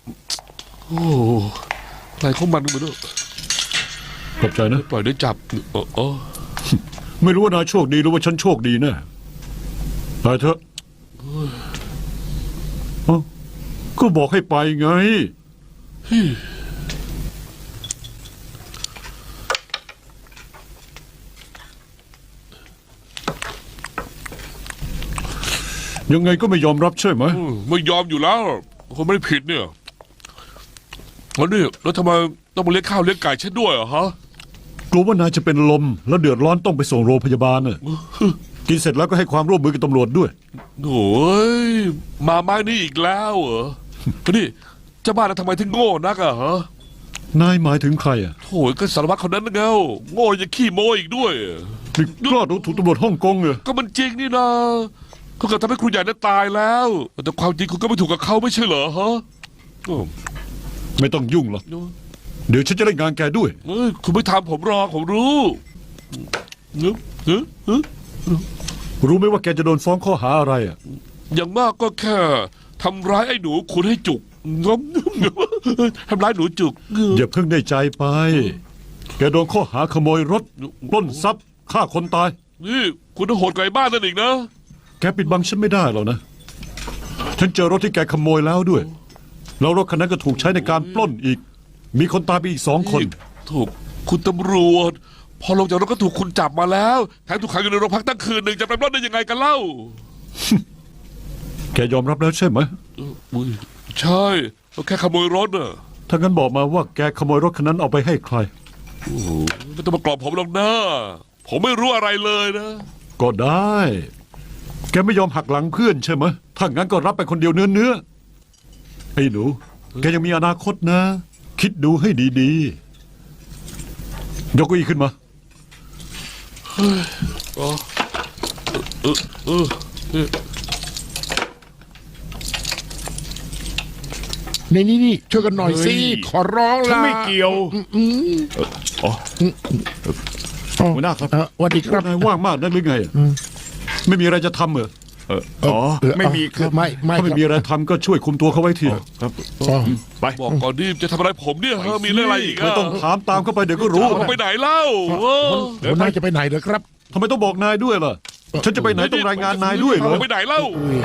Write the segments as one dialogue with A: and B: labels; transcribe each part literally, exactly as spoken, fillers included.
A: โอ้อะไรของมันมาด้วย
B: ขอบใจนะ
A: ปล่อยได้จับเออเออ
B: ไม่รู้ว่านายโชคดีหรือว่าฉันโชคดีแน่ไปเถอะเอ้าก็บอกให้ไปไง ยังไงก็ไม่ยอมรับใช่ไหม
A: อืมไม่ยอมอยู่แล้วคนไม่ได้ผิดเนี่ยแล้วนี่แล้วทำไมต้องมาเลี้ยงข้าวเลี้ยงไก่ฉันด้วยอะฮะ
B: กลัวว่านายจะเป็นลมแล้วเดือดร้อนต้องไปส่งโรงพยาบาลน่ะกินเสร็จแล้วก็ให้ความร่วมมือกับตำรวจด้วย
A: โอ้ยมาไม้นี่อีกแล้วเหรอนี่เจ้าบ้านน่ะทำไมถึงโง่นักอะฮะ
B: นายหมายถึงใครอ่ะ
A: โถ่ก็สารวัตรคนนั้นนะเงาโง่ยังขี้โม้อีกด้วย
B: นี่กล้าดูถูกตำรวจฮ่องกงเหรอ
A: ก็มันจริงนี่นะเขาเกิดทำให้ครูใหญ่นั้นตายแล้ว แต่ความจริงคุณก็ไม่ถูกกับเขาไม่ใช่เหรอฮะโอ้
B: ไม่ต้องยุ่งหรอกเดี๋ยวฉันจะเล่นงานแกด้วย
A: เอ้ยคุณไม่ทำผมหรอกผมรู้เนอะเนอะเนอะ
B: รู้ไหมว่าแกจะโดนฟ้องข้อหาอะไรอ่ะ
A: อย่างมากก็แค่ทำร้ายไอ้หนูคุณให้จุกงมทำร้ายหนูจุก
B: อย่าเพิ่งได้ใจไป แกโดนข้อหาขโมยรถปล้นทรัพย์ฆ่าคนตาย
A: นี่คุณต้องโหดไกลบ้านนั่นอีกนะ
B: แกปิดบังฉันไม่ได้หรอกนะ ฉันเจอรถที่แกขโมยแล้วด้วย แล้วรถคันนั้นก็ถูกใช้ในการปล้นอีก มีคนตายไปอีกสองคน
A: ถูกคุณตำรวจ พอลงจากรถก็ถูกคุณจับมาแล้วแถมถูกขังอยู่ในโรงพักตั้งคืนหนึ่งจะไปปล้นได้ยังไงกันเล่า
B: แกยอมรับแล้วใช่ไหม
A: อุ๊ยใช่เราแค่ขโมยรถน่ะ
B: ถ้างั้นบอกมาว่าแกขโมยรถคันนั้นเอาไปให้ใคร
A: โอ้โหไม่ต้องมากรอบผมหรอกนะผมไม่รู้อะไรเลยนะ
B: ก็ได้ แกไม่ยอมหักหลังเพื่อนใช่ไหมถ้างั้นก็รับไปคนเดียวเนื้อเนื้อไอ้หนู แกยังมีอนาคตนะ คิดดูให้ดีๆ ยกเก้าอี้ขึ้นมา
A: เออเออเออเออ
C: นี่นี่นี่ช่วยกันหน่อยสิ
D: เฮ้ย
C: ขอร้อง
D: ฉัน
C: ละ
D: ไม่เกี่ยว
C: อืม
D: อ๋อ
C: หัวหน้าครับสวัสดีครับ
B: นายว่างมากนักหรือไงอะไม่มีอะไรจะทำเหรอ
D: เอออ๋อ ไม่มีครับ
C: ไม่ไม่
B: ถ้าไม่
C: ครับ
B: มีอะไรทำก็ช่วยคุมตัวเขาไว้ที
D: ครับ
C: อ๋อ
D: ไป
A: บอกก่อนดิจะทำอะไรผมเนี่ยเออมีเรื่องอะไรอีก
B: ไม่
A: อะ
B: ต้องถามตามเข้าไปเดี๋ยวก็รู้
A: ผมไปไหนเล่าเออ
C: หัวหน้าจะไปไหนเหรอครับ
B: ทำไมต้องบอกนายด้วยล่ะ ฉันจะไปไหนต้องรายงานนายด้วยเหรอ
A: ผมไปไหนเล่า
C: อุ้ย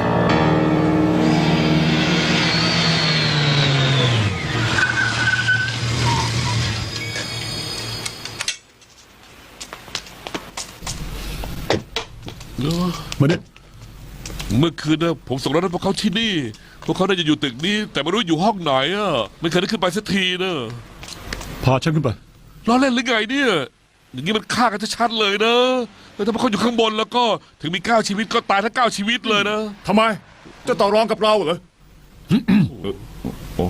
B: มาเนี่ย
A: เมื่อคืนนะผมส่งรถให้พวกเขาที่นี่ พวกเขาน่าจะอยู่ตึกนี้ แต่ไม่รู้อยู่ห้องไหนอ่ะไม่เคยได้ขึ้นไปสักทีนะ
B: พาฉันขึ้นไป
A: ล้อเล่นหรือไงเนี่ย อย่างนี้มันฆ่ากันชัดๆเลยนะแล้วถ้าพวกเขาอยู่ข้างบนแล้วก็ถึงมีเก้าชีวิตก็ตายทั้งเก้าชีวิตเลยนะ
D: ทำไม จะต่อรองกับเราเหรอโอ้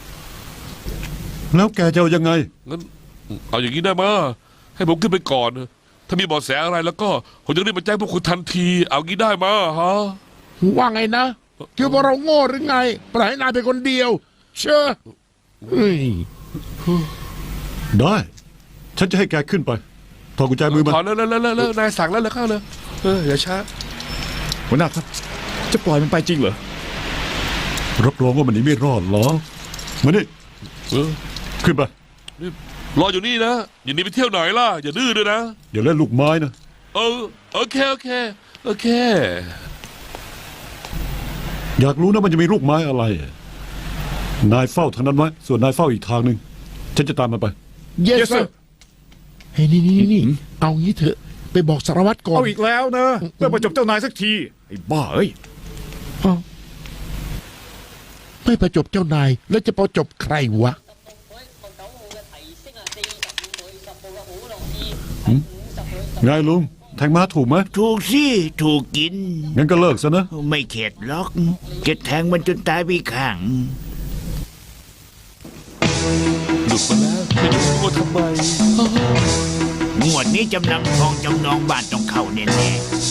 B: แล้วแกจะเอายังไง
A: งั้นเอาอย่างนี้ได้มาให้ผมขึ้นไปก่อน ถ้ามีเบาะแสอะไรแล้วก็ผมจะรีบมาแจ้งพวกคุณทันที เอางี้ได้มาฮะ
C: ว่าไงนะคิดว่าเราโง่หรือไงปล่อยให้นายเป็นคนเดียว เชื่อเฮ้ย
B: ได้ ฉันจะให้แกขึ้นไปถอดกุญแจมือมา
A: ขอแล้วแล้วแล้วแล้วนายสั่งแล้วแล้วเข้าเลยเอออย่าช้า
D: หัวหน้าครับ จะปล่อยมันไปจริงเหรอ
B: รับรองว่ามันหนีไม่รอดหรอกมานี่
A: เออ
B: ขึ้นไป
A: นี่รออยู่นี่นะอย่าหนีไปเที่ยวไหนล่ะอย่าดื้อด้วยนะ
B: อย่าเล่นลูกไม้นะ
A: เออโอเคโอเคโอเค
B: อยากรู้นะมันจะมีลูกไม้อะไร นายเฝ้าทางนั้นไว้ส่วนนายเฝ้าอีกทางหนึ่งฉันจะตามมันไป
C: เยส
D: Yes, sir
C: เฮ้ยนี่นี่นี่เอางี้เถอะไปบอกสารวัตรก่อน
D: เอาอีกแล้วนะเพื่อประจบเจ้านายสักที ไอ้บ้าเอ้ย
C: อ้าวไม่ประจบเจ้านายแล้วจะประจบใครวะ
B: ไงลุงแทงม้าถูกไหม
E: ถูกสิถูกกิน
B: งั้นก็เลิกซะนะ
E: ไม่เข็ดหรอกจะแทงมันจนตายไปข้าง
A: หลุดมาแล้วไม่รู้ว่าทำไม
E: งวดนี้จำนำทองจำนองบ้านต้องเข้าแน่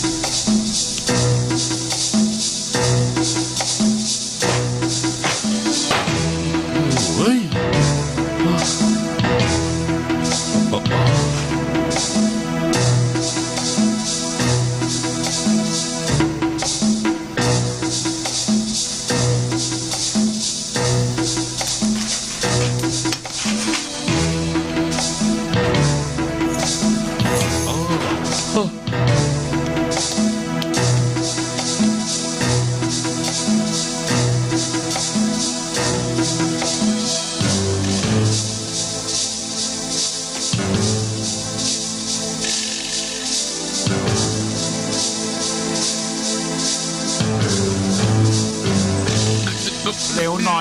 E: ๆ
A: เฮ้ย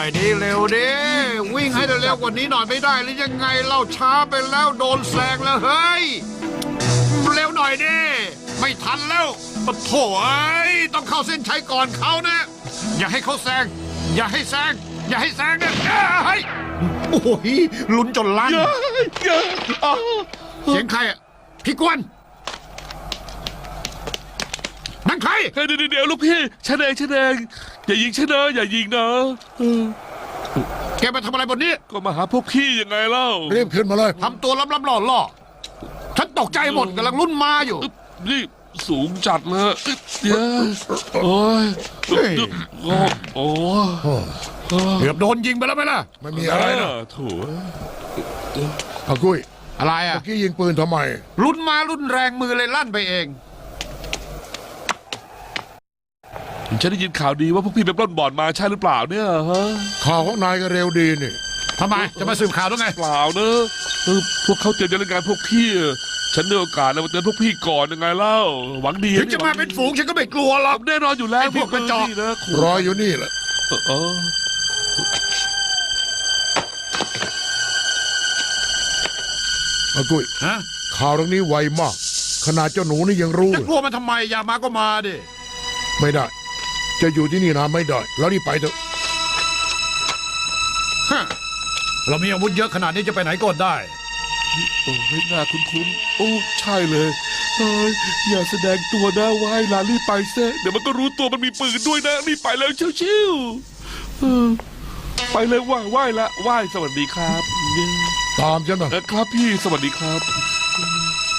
B: อยดิเร็วดิวิ่งให้เร็วๆกว่านี้หน่อยไม่ได้หรือยังไงเล่าช้าไปแล้วโดนแซงแล้วเฮ้ยเร็วหน่อยดิไม่ทันแล้วปะโถ่เอ้ยต้องเข้าเส้นชัยก่อนเขานะ อย่าให้เขาแซงอย่าให้แซงอย่าให้แซงนะเฮ้ยโอ้โหลุ้นจนลั่น
A: เยอะเยอะอ้าว
B: เสียงใครอ่ะพี่กวนนั่นใคร
A: เฮ้ยเดี๋ยวเดี๋ยวลูกพี่ฉันเองฉันเองอย่ายิงฉันนะอย่ายิงนะเออ
B: แกมาทำอะไรบนนี้
A: ก็มาหาพวกพี่ยังไงเล่า
C: รีบขึ้นมาเลย
B: ทำตัวล้ำๆหล่อๆฉันตกใจหมดกำลังลุ้นมาอยู่
A: อึ๊บนี่สูงจัดเลยอึ๊บเดี๋ยวโอ้ย
C: เฮ้ย
A: โอ้โอ้
B: เกือบโดนยิงไปแล้วไหมล่ะ
C: ไม่มีอะไรนะ
A: โถู
C: อากุ้ย
B: อะไรอ่ะ
C: เมื่อกี้ยิงปืนทำไม
B: ลุ้นมาลุ้นแรงมือเลยลั่นไปเอง
A: ฉันได้ยินข่าวดีว่าพวกพี่ไปปล้นบ่อนมาใช่หรือเปล่าเนี่ยฮะ
C: ข่าวของนายก็เร็วดีนี่
B: ทำไมจะมาสืบข่าวด้วยไง
A: เปล่าเนอะเออพวกเขาเตรียมจะเล่นงานพวกพี่ฉันได้โอกาสแล้วมาเตือนพวกพี่ก่อนยังไงเล่าหวังดี
B: ถึงจะมาเป็นฝูงฉันก็ไม่กลัวหรอก
A: แน่นอนอยู่แล้ว
B: ไอ้พวกกระจอก
A: พี่นะขู่
C: รออยู่นี่แหละ
A: เออเออ
C: อากุ้ย
B: ฮะ
C: ข่าวเรื่องนี้ไวมาก ขนาดเจ้าหนูนี่ยังรู้
B: จะ
C: เลย
B: กลัวมันทำไมอยากมาก็มาดิ
C: ไม่ได้ จะอยู่ที่นี่นานไม่ได้ แล้วนี่ไปเถอะ
B: ฮะเรามีอาวุธเยอะขนาดนี้จะไปไหนก็ได้
A: โอ้ยน่าคุ้นๆโอ้ใช่เลยเฮ้ยอย่าแสดงตัวนะว่ายลารีบไปเซะเดี๋ยวมันก็รู้ตัวมันมีปืนด้วยนะรีบไปเลยชิวๆเออไปเลยว่ายว่ายละว่ายสวัสดีครับ
C: ตามฉันมา
A: เออครับพี่สวัสดีครับ